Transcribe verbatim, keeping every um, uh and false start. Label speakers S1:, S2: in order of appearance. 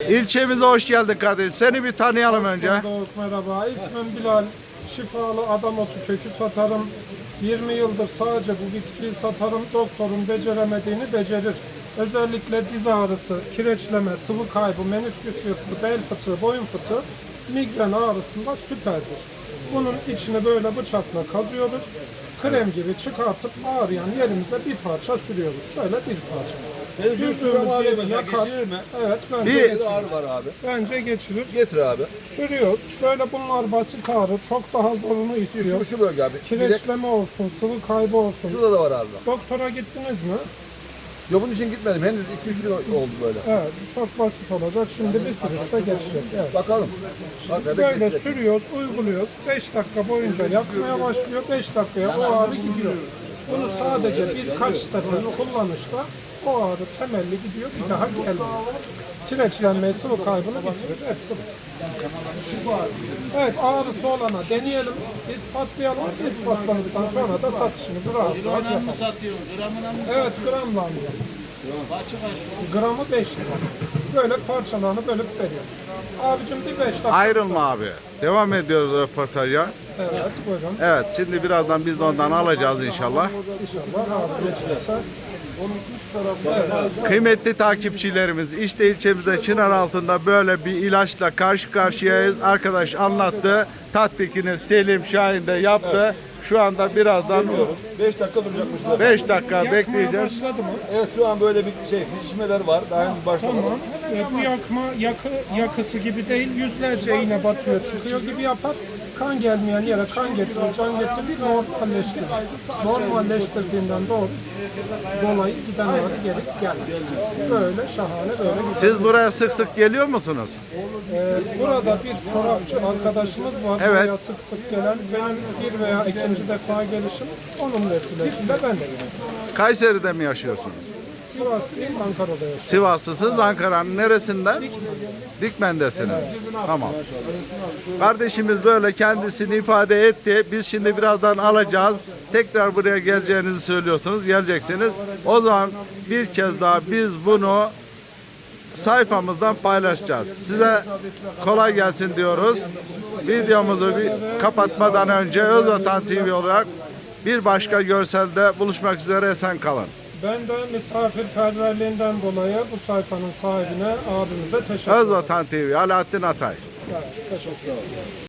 S1: İlçemize hoş geldin kardeşim. Seni bir tanıyalım önce.
S2: Bulduk, merhaba. İsmim Bilal. Şifalı adam otu kökü satarım. yirmi yıldır sadece bu bitkiyi satarım. Doktorun beceremediğini becerir. Özellikle diz ağrısı, kireçleme, sıvı kaybı, menisküs yırtığı, bel fıtığı, boyun fıtığı, migren ağrısında süperdir. Bunun içini böyle bıçakla kazıyoruz. Krem gibi çıkartıp ağrıyan yerimize bir parça sürüyoruz. Şöyle bir parça. Sürdüğümüz yeri yakar. Evet, bence
S1: Bir-
S2: geçirir.
S3: Ağrı var abi.
S2: Bence geçirir.
S3: Getir abi.
S2: Sürüyoruz. Böyle bunlar basit ağrı. Çok daha zorunu istiyor.
S3: Şu, şu bölge abi. Bir de
S2: Kireçleme olsun, sıvı kaybı olsun.
S3: şurada da var abi.
S2: Doktora gittiniz mi?
S3: Yok bunun için gitmedim. Henüz iki üç gün oldu böyle.
S2: Evet, çok basit olacak. Şimdi bir sürüşte geçecek. Evet.
S3: Bakalım. Hakikaten
S2: Böyle
S3: geçecek.
S2: sürüyoruz, uyguluyoruz. beş dakika boyunca yakmaya başlıyor. beş dakikaya o ağrı gidiyor. Bunu sadece birkaç sefer kullanışta o ağrı temelli gidiyor. Bir daha gelmiyor. Kireçlenmeyi, sıvı kaybını bitirir. Hepsi bu. Evet, ağrısı olana deneyelim, ispatlayalım. İspatladıktan sonra da satışımızı rahat rahat
S4: Gramına mı
S2: yapalım.
S4: satıyorsun? Gramına mı?
S2: Evet, gramla alacağım.
S4: Kaçı kaç?
S2: Gramı beş lira. Böyle parçalarını bölüp veriyorum. Abicim bir beş dakika.
S1: Ayrılma abi. Devam ediyoruz röportaja.
S2: Evet, buyurun.
S1: Evet, şimdi birazdan biz de ondan alacağız inşallah.
S2: İnşallah abi geçirse.
S1: Kıymetli takipçilerimiz, işte ilçemizde Çınar altında böyle bir ilaçla karşı karşıyayız. Arkadaş anlattı. Tatbikini Selim Şahin de yaptı. Şu anda birazdan
S3: beş dakika duracakmışlar.
S1: beş dakika
S2: Yakmaya
S1: bekleyeceğiz.
S2: başladı mı?
S3: Evet şu an böyle bir şey şişmeler var. Daha henüz başlamadı.
S2: Tamam. E, bu yakma yakı, yakısı gibi değil. Yüzlerce iğne batıyor, çıkıyor gibi yapar. Kan gelmeyen yere kan getirir, can getirir, normalleştirir. Normalleştirdiğinden doğru dolayı giden ağrı gelip gelmez. Böyle şahane, böyle güzel.
S1: Siz buraya sık sık geliyor musunuz?
S2: Ee, burada bir çorapçı arkadaşımız var.
S1: Evet.
S2: Buraya sık sık gelen. Benim bir veya ikinci defa gelişim onun vesilesiyle ben de geldim.
S1: Kayseri'de mi yaşıyorsunuz?
S2: Sivaslıyım, Ankara'da yaşıyorum.
S1: Sivaslısınız. Ankara'nın neresinden? Dikmen'desiniz. Tamam. Kardeşimiz böyle kendisini ifade etti. Biz şimdi birazdan alacağız. Tekrar buraya geleceğinizi söylüyorsunuz. Geleceksiniz. O zaman bir kez daha biz bunu sayfamızdan paylaşacağız. Size kolay gelsin diyoruz. Videomuzu bir kapatmadan önce Özvatan T V olarak bir başka görselde buluşmak üzere, esen kalın.
S2: Ben de misafirperverliğinden dolayı bu sayfanın sahibine, abimize teşekkür ederim.
S1: Özvatan T V, Alaaddin Atay.
S2: Evet, teşekkür ederim.